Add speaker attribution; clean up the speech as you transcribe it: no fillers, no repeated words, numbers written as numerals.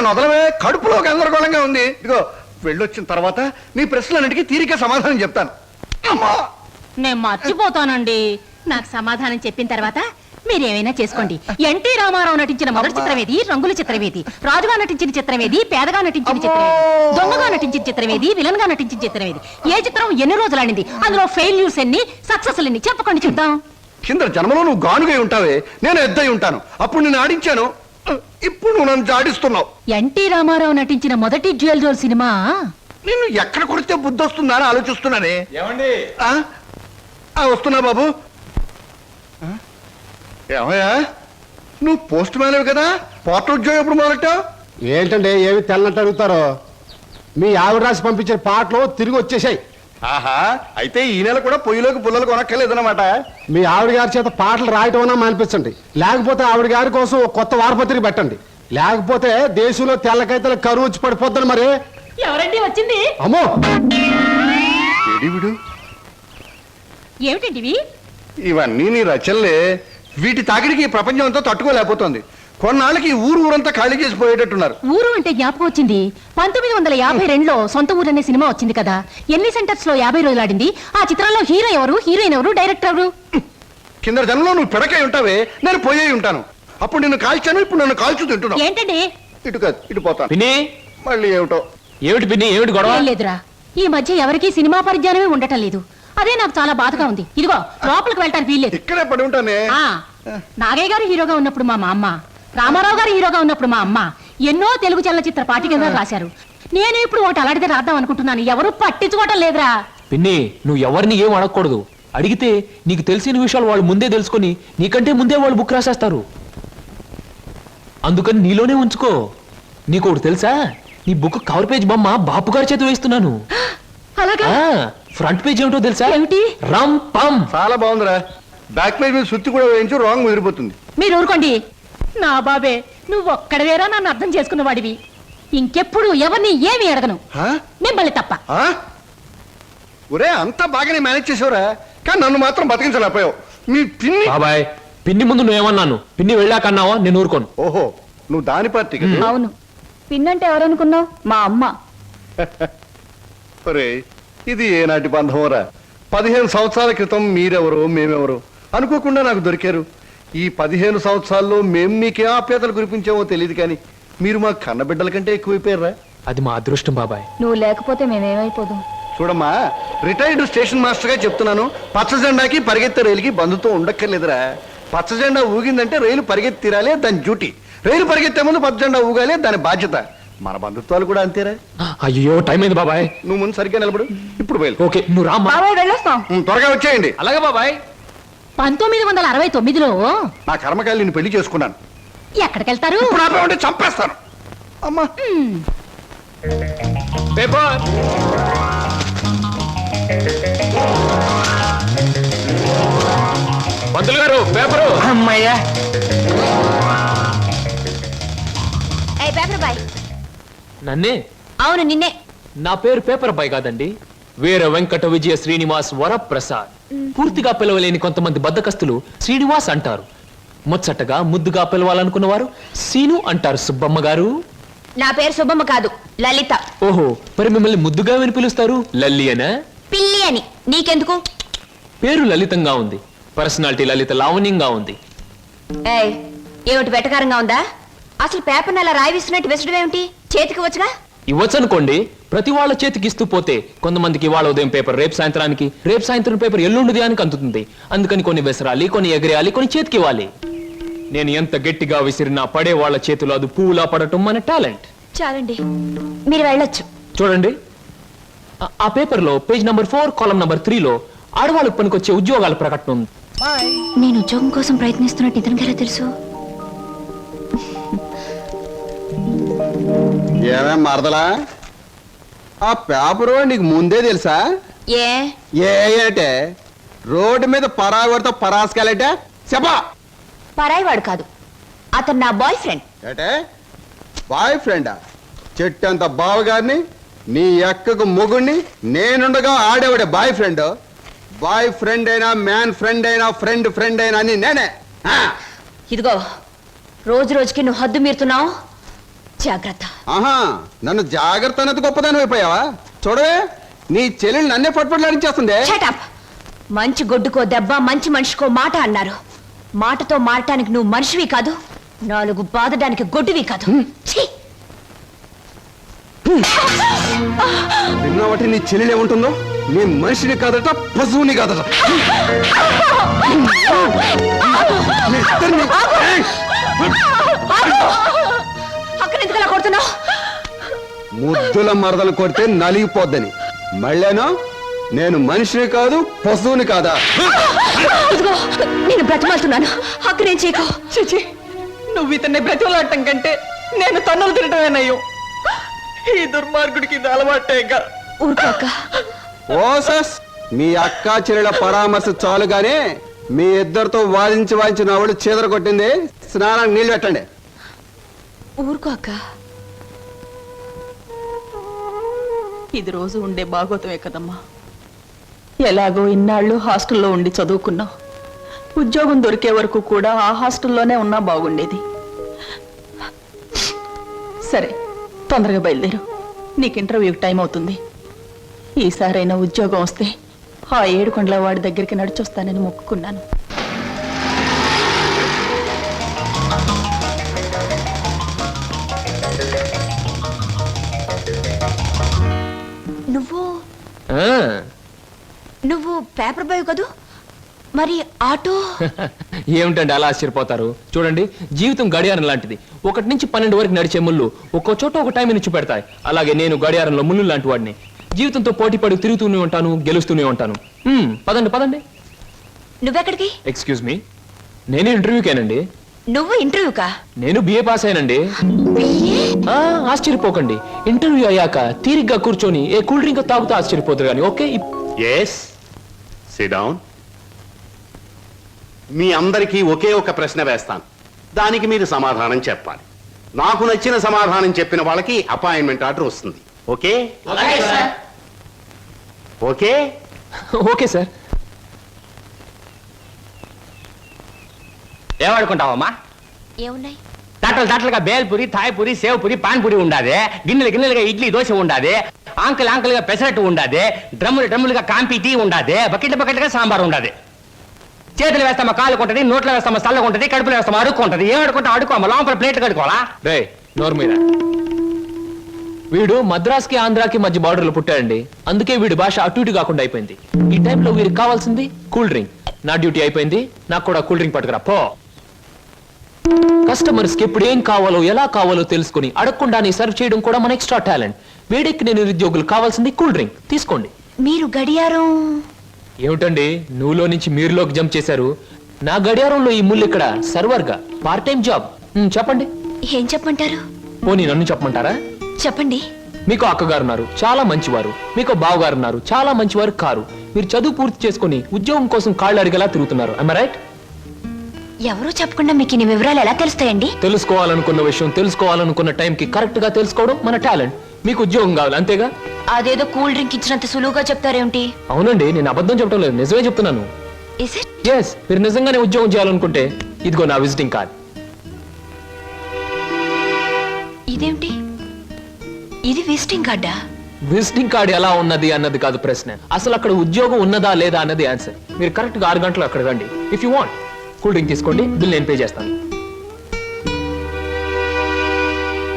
Speaker 1: నన్ను వదలవే, కడుపులో గందరగోళంగా ఉంది. ఇదిగో వెళ్ళొచ్చిన తర్వాత నీ ప్రశ్నలన్నిటికీ తీరిక సమాధానం చెప్తాను. అమ్మా
Speaker 2: నేను మర్చిపోతానండి. నాకు సమాధానం చెప్పిన తర్వాత మీరేమైనా చేసుకోండి. ఎన్టీ రామారావు నటించిన మొదటి చిత్రమేది, రంగుల చిత్రమేది, రాజుగా నటించిన చిత్రమేది, పేదగా నటించిన చిత్రమేది, దొంగగా నటించిన చిత్రమేది, విలన్ గా నటించిన చిత్రమేది, ఏ చిత్రం ఎన్ని రోజులు ఆడింది, అందులో ఫెయిల్యూర్స్ ఎన్ని, సక్సెస్ ఎన్ని చెప్పకండి చూద్దాం.
Speaker 1: కింద జన్మలో నువ్వు గానుగై ఉంటావే, నేను ఎద్దై ఉంటాను. అప్పుడు నేను ఆడించాను, ఇప్పుడు నువ్వు నన్ను జాడిస్తున్నావు.
Speaker 2: ఎన్టీ రామారావు నటించిన మొదటి డ్యూయల్ రోల్ సినిమా
Speaker 1: నిన్ను ఎక్కడ కొడితే బుద్ధి వస్తుందా అని ఆలోచిస్తున్నానే.
Speaker 3: ఏమండి?
Speaker 1: వస్తున్నా బాబు. ఏమయ్యా, నువ్వు పోస్ట్ మ్యాన్ కదా, పోర్టల్ ఉద్యోగం ఎప్పుడు మొదలెట్టావు?
Speaker 4: ఏంటంటే ఏమి తెల్లనట్టు అడుగుతారో. మీ ఆవిడ రాసి పంపించిన పాటలు తిరిగి వచ్చేసాయి.
Speaker 1: ఆహా, అయితే ఈ నెల కూడా పొయ్యిలోకి పుల్లలు కొనక్కర్లేదన్నమాట.
Speaker 4: మీ ఆవిడ గారి చేత పాటలు రాయటం మానిపించండి, లేకపోతే ఆవిడ గారి కోసం ఒక కొత్త వారపత్రిక పెట్టండి, లేకపోతే దేశంలో తెల్లకైతే కరువు వచ్చి పడిపోద్దని. మరి
Speaker 2: ఎవరండి వచ్చింది?
Speaker 4: అమ్మో,
Speaker 1: విడు
Speaker 2: ఏమిటండి
Speaker 1: ఇవన్నీ నీ రచనలే. వీటి తాకిడికి ఈ ప్రపంచం అంతా తట్టుకోలేకపోతుంది. కొన్నాళ్ళకి ఊరంతా ఖాళీ చేసి పోయేటట్టున్నారు.
Speaker 2: ఊరు అంటే జ్ఞాపకం వచ్చింది. 1952లో సొంత ఊరు అనే సినిమా వచ్చింది కదా. ఎన్ని సెంటర్స్ లో 50 రోజులు ఆడింది. ఆ చిత్రంలో హీరో ఎవరు, హీరోయిన్ ఎవరు, డైరెక్టర్ ఎవరు?
Speaker 1: కింద జనంలో నువ్వు పిడకై ఉంటావే, నేను పోయే ఉంటాను. అప్పుడు నిన్ను కాల్చాను, ఇప్పుడు నన్ను కాల్చు తింటున్నావు.
Speaker 2: ఏంటండి?
Speaker 1: ఇటు కాదు, ఇటు పోతాను.
Speaker 3: పిన్ని,
Speaker 1: మళ్ళీ ఏమిటో.
Speaker 3: ఏమిటి పిన్ని, ఏమిటి గొడవ?
Speaker 2: లేదురా, ఈ మధ్య ఎవరికి సినిమా పరిజ్ఞానమే ఉండటం లేదు. అదే నాకు చాలా బాధగా ఉంది. ఇదిగో లోపలికి వెళ్ళటానికి వీల్లేదు.
Speaker 1: ఇక్కడే పడి ఉంటానే.
Speaker 2: నాగయ్య గారు హీరోగా ఉన్నప్పుడు మా అమ్మ, రామారావు గారు హీరోగా ఉన్నప్పుడు మా అమ్మ ఎన్నో తెలుగు చలనచిత్ర పాఠ్యగ్రంథాలు రాశారు. నేను ఇప్పుడు ఒకటి అలాంటిదే రాద్దాం అనుకుంటున్నాను. ఎవరు పట్టించుకోవటం లేదురా.
Speaker 3: పిన్ని, నువ్వు ఎవరిని ఏం అడగకూడదు. అడిగితే నీకు తెలిసిన విషయాలు వాళ్ళు ముందే తెలుసుకొని నీకంటే ముందే వాళ్ళు బుక్ రాసేస్తారు. అందుకని నీలోనే ఉంచుకో. నీకు ఒకటి తెలుసా, నీ బుక్ కవర్ పేజ్ బొమ్మ బాపు గారి చేత వేస్తున్నాను.
Speaker 2: అలాగా?
Speaker 3: ఫ్రంట్ పేజ్ ఏమిటో తెలుసా?
Speaker 2: ఏమిటి?
Speaker 3: రమ్ పమ్.
Speaker 1: చాలా బాగుందిరా. బ్యాక్ పేజ్ మీద సుత్తి కూడా వేయించు, రాంగ్ ముదిరిపోతుంది.
Speaker 2: మీరు ఊరుకోండి. నా బాబే, నువ్వు ఒక్కడవేరా నన్ను అర్థం చేసుకున్న వాడివి. ఇంకెప్పుడు ఎవరిని ఏమి అడగను, మిమ్మల్ని తప్ప.
Speaker 1: ఒరే, అంతా బాగానే మేనేజ్ చేసావురా, కానీ నన్ను మాత్రం బతికించలేకపోయావు. మీ పిన్ని.
Speaker 3: బాబాయ్, పిన్ని ముందు నువ్వేమన్నాను, పిన్ని వెళ్ళాకన్నావా? నేను ఊరుకోను.
Speaker 1: ఓహో, నువ్వు దాని పార్టీ కదా.
Speaker 2: అవును. పిన్నంటే ఎవరనుకున్నావు? మా అమ్మ.
Speaker 1: ఒరే, ఇది ఏనాటి బంధమోరా. 15 సంవత్సరాల క్రితం మీరెవరో మేమెవరో అనుకోకుండా నాకు దొరికారు. ఈ 15 సంవత్సరాల్లో మేము మీకే ఆప్యాతలు కురిపించామో తెలియదు, కానీ మీరు మా కన్నబిడ్డల కంటే ఎక్కువైపోయారా.
Speaker 3: అది మా అదృష్టం బాబాయ్.
Speaker 2: నువ్వు లేకపోతే మేమేమైపోదు.
Speaker 1: చూడమ్మా, రిటైర్డ్ స్టేషన్ మాస్టర్ గా చెప్తున్నాను, పచ్చ జెండాకి పరిగెత్తే రైలుకి బంధుతో ఉండక్కర్లేదురా. పచ్చ జెండా ఊగిందంటే రైలు పరిగెత్తి తీరాలే, దాని డ్యూటీ. రైలు పరిగెత్తే ముందు పచ్చ జెండా ఊగాలే, దాని బాధ్యత. మన బంధుత్వాలు కూడా అంతేరా.
Speaker 3: అయ్యో, టైం అయింది బాబాయ్.
Speaker 1: నువ్వు ముందు సరిగ్గా నిలబడు. ఇప్పుడు బయలు.
Speaker 3: ఓకే, నువ్వు రామ్మా.
Speaker 1: త్వరగా వచ్చేయండి.
Speaker 3: అలాగే బాబాయ్.
Speaker 2: 1969లో
Speaker 1: నా కర్మకాయలు నేను పెళ్లి చేసుకున్నాను.
Speaker 2: ఎక్కడికెళ్తారు?
Speaker 1: ఇప్పుడు ఆపేమంటే చంపేస్తాను. అమ్మా,
Speaker 3: పేపర్. పంతులు గారు, పేపరు.
Speaker 5: అమ్మయ్యా.
Speaker 3: నన్నే?
Speaker 2: అవును, నిన్నే.
Speaker 3: నా పేరు పేపర్ బాయ్ కాదండి, వీర వెంకట విజయ శ్రీనివాస్ వరప్రసాద్. పూర్తిగా పిలవలేని కొంతమంది బద్దకస్తులు శ్రీనివాస్ అంటారు. ముచ్చటగా ముద్దుగా పిలవాలనుకున్న వారు సీను అంటారు. సుబ్బమ్మ గారు.
Speaker 2: నా పేరు సుబ్బమ్మ కాదు, లలిత.
Speaker 3: ఓహో, మరి మిమ్మల్ని ముద్దుగా విని పిలుస్తారు లల్లి అనా?
Speaker 2: పిల్లి అని. నీకెందుకు?
Speaker 3: పేరు లలితంగా ఉంది, పర్సనాలిటీ లలిత లావణ్యంగా ఉంది.
Speaker 2: ఏమిటి వెటకారంగా ఉందా? అసలు పేపర్ అలా రాయిస్తున్నట్టు విసడం ఏమిటి? చేతికి వచ్చుగా.
Speaker 3: ఇవ్వచ్చనుకోండి, ప్రతి వాళ్ళ చేతికి ఇస్తూ పోతే కొంతమందికి వాళ్ళ ఉదయం పేపర్ రేపు సాయంత్రానికి, రేపు సాయంత్రం పేపర్ ఎల్లుండి దానికి అందుతుంది. అందుకని కొన్ని విసరాలి, కొన్ని ఎగరేయాలి, కొన్ని చేతికి ఇవ్వాలి. నేను ఎంత గట్టిగా విసిరినా పడే వాళ్ళ చేతిలో అది పువ్వులా పడటం మన టాలెంట్.
Speaker 2: చాలండి, మీరు వెళ్ళొచ్చు.
Speaker 3: చూడండి, ఆ పేపర్ లో పేజ్ నంబర్ 4 కాలం నంబర్ 3లో ఆడవాళ్ళకు పనికొచ్చే ఉద్యోగాల ప్రకటన ఉంది.
Speaker 2: నేను ఉద్యోగం కోసం ప్రయత్నిస్తున్నట్టు ఇతనికి ఎలా తెలుసు?
Speaker 4: ఏమే మరదలా, ఆ పేపరు నీకు ముందే తెలుసా? ఏంటే రోడ్డు మీద పరాగడితో పరాసుకెళ్ళటే చెప్పా.
Speaker 2: పరాయివాడు కాదు, అతను నా బాయ్ ఫ్రెండ్.
Speaker 4: ఏటే బాయ్ ఫ్రెండా? చెట్టంత బావగారిని, నీ ఎక్కకు మొగుణ్ణి, నేనుండగా ఆడేవాడే బాయ్ ఫ్రెండ్. బాయ్ ఫ్రెండ్ అయినా, మ్యాన్ ఫ్రెండ్ అయినా, ఫ్రెండ్ అయినా అని నేనే.
Speaker 2: ఇదిగో, రోజు రోజుకి నువ్వు హద్దు మీరుతున్నావు.
Speaker 5: జాగ్రత్త.
Speaker 4: ఆహా, నన్ను జాగ్రత్త అన్నది గొప్పదాని అయిపోయావా? చూడవే, నీ చెల్లెలు నన్నే పట్టుపట్లాడించేస్తుంది.
Speaker 5: Shut up. మంచి గొడ్డుకో దెబ్బ, మంచి మనిషికో మాట అన్నారు. మాటతో మారటానికి నువ్వు మనిషివి కాదు, 4 బాదడానికి గొడ్డువి కాదు. ఛీ!
Speaker 4: విన్నావటి నీ చెల్లెలు ఏముంటుందో? నీ మనిషిని కాదట, పశువుని కాదట. మీ ఇద్దరిని- ఏయ్!
Speaker 5: అక్కడ ఎందుకలా కొడుతున్నావు?
Speaker 4: ముద్దుల మరదలు కొడితే నలిగిపోద్దని. మళ్ళేనో నేను మనిషిని కాదు, పశువుని కాదా?
Speaker 5: ఇదిగో, నేను బ్రతిమాలుతున్నాను. అక్కడేం చేయకు.
Speaker 6: చిచి, నువ్వు ఇతన్ని బ్రతిమలాడటం కంటే నేను తన్నులు తినటమేనయ్యో. ఈ దుర్మార్గుడికి ఇది అలవాటేగా.
Speaker 5: ఊరుకో అక్క.
Speaker 4: ఓసస్, మీ అక్కా చెల్లెల పరామర్శ చాలుగానే మీ ఇద్దరితో వాదించి నా ఒళ్ళు చీదర కొట్టింది. స్నానానికి నీళ్ళు పెట్టండి.
Speaker 5: ఊరుకో అక్క.
Speaker 6: ఇది రోజు ఉండే బాగోతమే కదమ్మా. ఎలాగో ఇన్నాళ్ళు హాస్టల్లో ఉండి చదువుకున్నావు. ఉద్యోగం దొరికే వరకు కూడా ఆ హాస్టల్లోనే ఉన్నా బాగుండేది. సరే, తొందరగా బయలుదేరు. నీకు ఇంటర్వ్యూకి టైం అవుతుంది. ఈసారైనా ఉద్యోగం వస్తే ఆ 7 కొండల వాడి దగ్గరికి నడిచొస్తానని మొక్కుకున్నాను.
Speaker 3: ఆ,
Speaker 5: నువ్వు పేపర్ బాయ్ కదూ, మరి ఆటో?
Speaker 3: ఏమిటండి అలా ఆశ్చర్యపోతారు? చూడండి, జీవితం గడియారం లాంటిది. 1 నుంచి 12 వరకు నడిచే ముళ్ళు ఒక్కో చోట ఒక టైం నుంచి పెడతాయి. అలాగే నేను గడియారంలో ముళ్ళు లాంటి వాడిని. జీవితంతో పోటీ పడి తిరుగుతూనే ఉంటాను, గెలుస్తూనే ఉంటాను. పదండి పదండి.
Speaker 5: నువ్వెక్కడికి?
Speaker 3: ఎక్స్క్యూజ్ మీ, నేను ఇంటర్వ్యూకేనండి.
Speaker 5: నువ్వు ఇంటర్వ్యూకా?
Speaker 3: నేను బిఏ పాస్ అయినండి. ఆశ్చర్యపోకండి. ఇంటర్వ్యూ అయ్యాక తీరిగ్గా కూర్చొని ఏ కూల్ డ్రింక్ తాగుతూ ఆశ్చర్యపోతారు కానీ. Okay,
Speaker 7: yes, sit down. మీ అందరికీ ఒకే ఒక ప్రశ్న వేస్తాను, దానికి మీరు సమాధానం చెప్పాలి. నాకు నచ్చిన సమాధానం చెప్పిన వాళ్ళకి అపాయింట్మెంట్ ఆర్డర్ వస్తుంది. Okay okay
Speaker 3: okay sir.
Speaker 8: ఏమనుకుంటావమ్మా?
Speaker 5: ఏమున్నాయి?
Speaker 8: తట్టలుగా బేల్పూరి, థాయ్పూరి, సేవ్పూరి, పాన్పూరి ఉండాది. గిన్నెలుగా ఇడ్లీ దోశ ఉండాది. ఆంకలుగా పెసరట్టు ఉండాది. డ్రమ్ములుగా కాంపి టీ ఉండాది. బకెట్లుగా సాంబార్ ఉండాది. చేతులు వేస్తామా కాలు ఉంటది, నోట్లో వేస్తామా చల్లగా ఉంటది, కడుపులో వేస్తామా అడుక్కు ఉంటది. ఏమడుకుంటా అడుకోమా, లోపల ప్లేట్ కడుకోవాలా?
Speaker 3: రే నోరు మీద. వీడు మద్రాస్కి ఆంధ్రాకి మధ్య బార్డర్లో పుట్టాడండి. అందుకే వీడి భాష అటు ఇటు కాకుండా అయిపోయింది. ఈ టైంలో వీరికి కావాల్సింది కూల్ డ్రింక్. నా డ్యూటీ అయిపోయింది, నాకు కూడా కూల్ డ్రింక్ పట్టుకురా పో. కస్టమర్స్ కి ఎప్పుడు ఏం కావాలో ఎలా కావాలో తెలుసుకుని అడగకుండానే సర్వ్ చేయడం కూడా మన ఎక్స్ట్రా టాలెంట్. వీడికి నేను నిరుద్యోగులు కావాల్సింది కూల్ డ్రింక్. తీసుకోండి.
Speaker 5: మీరు గడియారం?
Speaker 3: ఏమిటండి నువ్వులో నుంచి మీరులోకి జంప్ చేశారు? నా గడియారంలో ఈ ముళ్ళు ఇక్కడ సర్వర్ గా పార్ట్ టైం జాబ్. చెప్పండి.
Speaker 5: ఏం చెప్పమంటారు?
Speaker 3: పోనీ నన్ను చెప్పమంటారా?
Speaker 5: చెప్పండి.
Speaker 3: మీకు అక్కగారు ఉన్నారు, చాలా మంచివారు. మీకు బావగారు ఉన్నారు, చాలా మంచివారు కారు. మీరు చదువు పూర్తి చేసుకుని ఉద్యోగం కోసం కాళ్ళు అడిగేలా తిరుగుతున్నారు. am I right?
Speaker 5: ఎవరో చెప్పకుండా మీకు ఇన్ని వివరాలు ఎలా తెలుస్తాయండి?
Speaker 3: తెలుసుకోవాలనుకున్న విషయం తెలుసుకోవాలనుకున్న టైంకి కరెక్ట్ గా తెలుసుకోవడం మన టాలెంట్. మీకు ఉద్యోగం కావాలి అంతేగా?
Speaker 5: అదేదో కూల్ డ్రింక్ ఇచ్చినంత సులువుగా చెప్తారేమిటి?
Speaker 3: అవునండి, నేను అబద్ధం చెప్పడం లేదు, నిజమే చెప్తున్నాను.
Speaker 5: Is it?
Speaker 3: ఎస్, మీరు నిజంగానే ఉద్యోగం చేయాలనుకుంటే ఇదిగో నా విజిటింగ్ కార్డ్.
Speaker 5: ఇదేమిటి? ఇది విజిటింగ్ కార్డా?
Speaker 3: విజిటింగ్ కార్డ్ ఎలా ఉన్నది అన్నది కాదు ప్రశ్న, అసలు అక్కడ ఉద్యోగం ఉన్నదా లేదా అన్నది ఆన్సర్. మీరు కరెక్ట్ గా 6 గంటలు అక్కడ రండి. If you want cool drink తీసుకోండి, బిల్ నేను పే చేస్తాను.